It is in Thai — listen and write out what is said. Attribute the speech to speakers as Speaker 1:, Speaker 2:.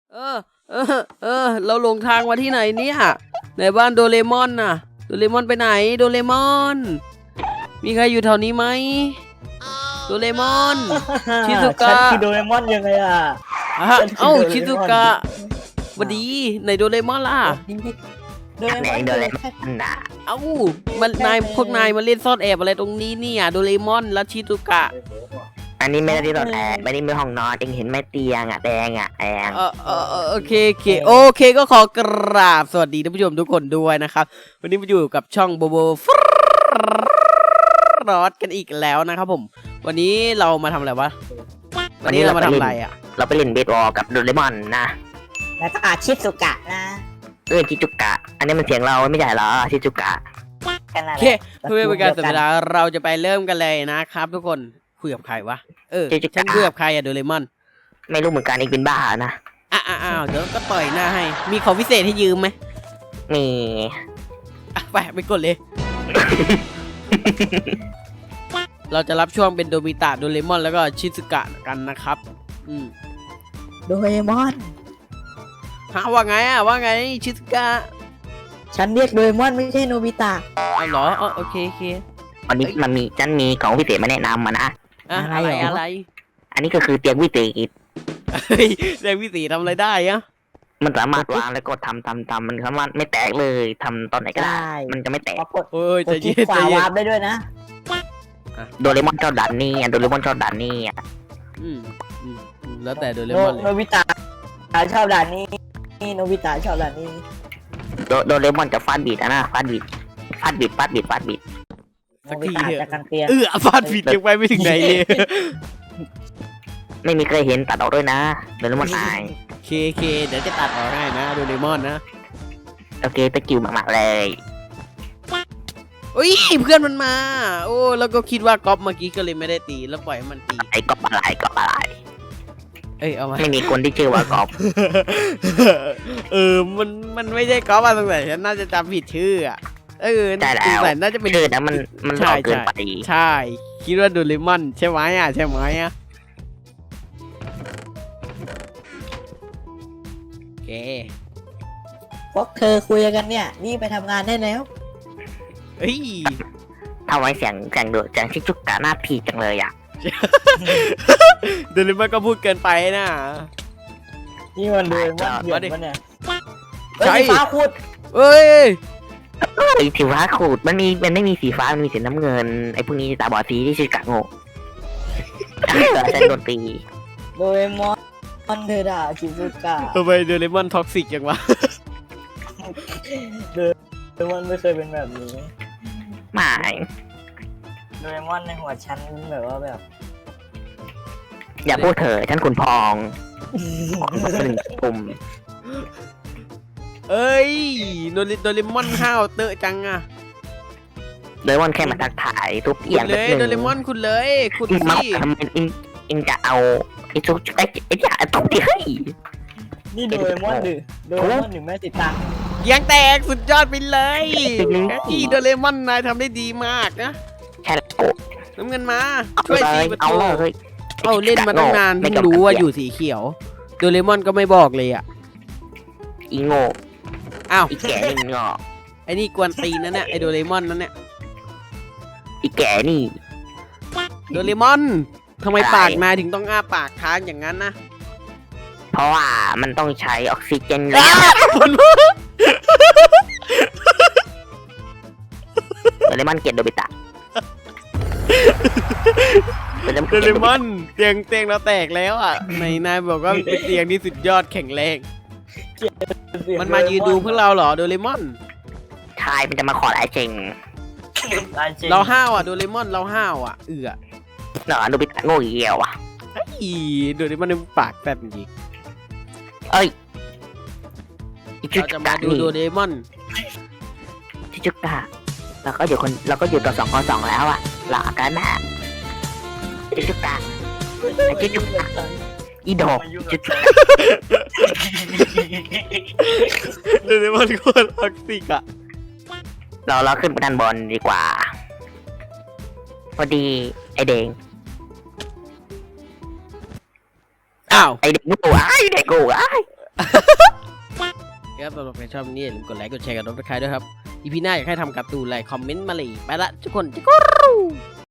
Speaker 1: เออเราหลงทางมาที่ไหนเนี่ยในบ้านโดเรมอนน่ะโดเรมอนไปไหนโดเรมอนมีใครอยู่แถวนี้ไหมโดเรมอน ชิซุกะ
Speaker 2: ฉันคือโดเรมอนยังไงอ่ะ
Speaker 1: เอ้าชิซุกะสวัสดีในโดเรมอนล่ะ
Speaker 2: โดเรมอน
Speaker 3: โดเรมอนน่ะ
Speaker 1: เอ้ามันพวกนายมาเล่นซ่อนแอบอะไรตรงนี้เนี่ยโดเรมอนและชิซุกะ
Speaker 3: อันนี้ไม่ได้ที่ตอนแอบไม่ได้มีห้องนอนเองเห็นไหมเตียงอ่ะแดงอ่ะแดง
Speaker 1: โอเคก็ขอกราบสวัสดีท่านผู้ชมทุกคนด้วยนะครับวันนี้มาอยู่กับช่องโบโบฟรอดกันอีกแล้วนะครับผมวันนี้เรามาทำอะไรวะวันนี้เรามาทำอะไรอ่ะ
Speaker 3: เราไปเล่นเบสบอลกับโดเรมอนนะ
Speaker 2: แล้วก็ชิซุกะนะ
Speaker 3: ชิจุกะ อันนี้มันเสียงเราไม่ใช่เหรอชิจุกะ
Speaker 2: กันอะไร
Speaker 1: โอเคเพื่อเป็นการเสียเวลาเราจะไปเริ่มกันเลยนะครับทุกคนคุยกับใครวะฉันคุยกับใครอะโดเรมอน
Speaker 3: ไม่รู้เหมือนกันเองเป็นบ้านะ
Speaker 1: อ้าวเดี๋ยวก็ต่อยหน้าให้มีของพิเศษให้ยืมไหม
Speaker 3: มี
Speaker 1: ไปกดเลย เราจะรับช่วงเป็นโดมิตะโดเรมอนแล้วก็ชิซึกะกันนะครับ
Speaker 2: โดเรมอน
Speaker 1: ว่าไงชิซึกะ
Speaker 2: ฉันเรียกโดเรมอนไม่ใช่โนบิตะ
Speaker 1: เอาเหรอโอเค
Speaker 3: วันนี้ฉันมีของพิเศษมาแนะนำมานะ
Speaker 1: อะไร
Speaker 3: อันนี้ก็คือเตียงวิเศษ
Speaker 1: เฮ้ยเรื่องวิสีทำอะไรได้อะ
Speaker 3: มันสามารถวางแล้วก็ทำมันสามารถไม่แตกเลยทำตอนไหนก็ได้ มันจะไม่แตก
Speaker 2: ปรากฏ
Speaker 1: โอ้ย
Speaker 2: ก
Speaker 1: ใจ
Speaker 2: ดที่
Speaker 1: เย็น
Speaker 2: ขวาวาร์ปได้ด้วยนะ
Speaker 3: โดเรมอนชอบด่านนี้โดเรมอนชอบด่านนี้
Speaker 1: อืมแล้วแต่โดเรมอนเลย
Speaker 2: โนบิตะชอบด่านนี้โนบิตะชอบด่านนี้
Speaker 3: โดเรมอนจะฟาดบีดนะฟาดบีด
Speaker 1: สักที
Speaker 2: โนบิ
Speaker 1: เถ
Speaker 2: ตะ
Speaker 1: อะ
Speaker 2: จากกันเตียง
Speaker 1: ฟาดผิดยังไปไม่ถึงไหนเลย
Speaker 3: ไม่มีใครเห็นตัดออกด้วยนะโดเรมอนอาย
Speaker 1: เคเดี๋ยวจะตัดออกให้นะโดเรมอนนะ
Speaker 3: โอเคตะกิ้วมากๆเลย
Speaker 1: อุ้ยเพื่อนมันมา โอ้แล้วก็คิดว่าก๊อฟเมื่อกี้ก็เลยไม่ได้ตีแล้วปล่อยให้มันตี
Speaker 3: ไอ้กอบอะไร
Speaker 1: เอามา
Speaker 3: ไม่มีคนที่ชื่อว่ากอบ
Speaker 1: มันไม่ใช่ก๊อฟอะสงสัยฉันน่าจะจำผิดชื่ออะสงสัยน่าจะเป็น
Speaker 3: ชื่อนะมันหลอกเกินไป
Speaker 1: ใช่คิดว่าโดเรมอนใช่ไหมใช่ไหมโอเค
Speaker 2: พวกเธอคุยกันเนี่ยนี่ไปทำงานได้แล้ว
Speaker 1: เฮ้ย
Speaker 3: ทำไมเสียงโดดเสียงชิจุกกะหน้าผีจังเลยอ่ะ
Speaker 1: โดเรมอนก็พูดเกินไปนะ
Speaker 2: นี่มันโดเรมอนเดือดปะเนี่ย
Speaker 1: ใช่
Speaker 2: ฟ้าขุด
Speaker 1: เอ้ย
Speaker 3: ไอ้สีฟ้าขูดมันไม่มีสีฟ้ามันมีสีน้ำเงินไอ้พวกนี้ตาบอดสีที่ชิจุกะโง่ฉันโดนตี
Speaker 2: โดเรมอนเธอด่าชิซุกะ
Speaker 1: ทำไมโดเรมอนท็อกซิกจังวะ
Speaker 2: โดเรมอนไม่เคยเป็นแบบนี้
Speaker 3: ไม่
Speaker 2: โดเรมอนในหัวฉันแบบว่าแบบ
Speaker 3: อย่าพูดเถอะฉันขุนพองหนึ่งปุ่ม
Speaker 1: เอ้ยโดเรมอนห้าวเตอะจังอะ
Speaker 3: โดเรมอนแค่มาทักทายทุบเอียง
Speaker 1: เลยโดเรมอนคุณเลยคุณ
Speaker 3: มา
Speaker 1: สิ
Speaker 3: ทำไมอิงจะเอาไอ้ทุบไอ้จะทุบที่ให้
Speaker 2: นี่โดเรมอนโดเรมอนหรือแม่ติดตาม
Speaker 1: ยังแตกสุดยอดไปเลยที่โดเรมอนนายทำได้ดีมากนะ
Speaker 3: แค่โกะ
Speaker 1: น้ำเงินมาช่วยสีประ
Speaker 3: เอา
Speaker 1: ตู
Speaker 3: เลย
Speaker 1: เอาเล่นมาตั้งนานเพิ่งรู้ว่าอยู่สีเขียวโดเรมอนก็ไม่บอกเลยอ่ะ
Speaker 3: อีโง่
Speaker 1: อ้าว
Speaker 3: อีแก่นี่งอ
Speaker 1: ไอ้นี่กวนตีนนั่นเนี่ยไอ้โดเรมอนนั่นเนี่ย
Speaker 3: อีแก่นี่
Speaker 1: โดเรมอนทำไมปากนายถึงต้องอ้าปากค้างอย่างนั้นนะ
Speaker 3: เพราะว่ามันต้องใช้ออกซิเจนแล้วโดเรมอนเกลียดโดบิตะ
Speaker 1: โดเรมอนเตียงเราแตกแล้วอ่ะในนายบอกว่าเป็นเตียงที่สุดยอดแข็งแรงมันมายืนดูพวกเราเหรอโดเรมอน
Speaker 3: ชายมันจะมาขอลายเจง
Speaker 1: เราห้าวอ่ะโดเรมอนเราห้าวอ่ะ
Speaker 3: เนาะโดบิตะโง่เหี้ยวอ่ะ
Speaker 1: อีโดเรมอนในปากแป๊บจริง
Speaker 3: เอ้ย
Speaker 1: เราจะมาดูโดเรมอน
Speaker 3: ชิจุกะเราก็อยู่ต่อ2-2แล้วอ่ะหลอกกันนะชิจุกะอีดอกชิจุกะ
Speaker 1: โดเรมอนโคตรท็อกซิกอ่ะ
Speaker 3: เราขึ้นไปด้านบนดีกว่าพอดีไอเด็ก
Speaker 1: อ้าว
Speaker 3: ไอเด็กกูไอเด็กกูไอ
Speaker 1: ครับสำหรับใครชอบนี้อย่าลืมกดไลค์กดแชร์กับน้องตะไคร้ด้วยครับอีพีหน้าอยากให้ทำการ์ตูนอะไรคอมเมนต์มาเลยไปละทุกคนจิกรู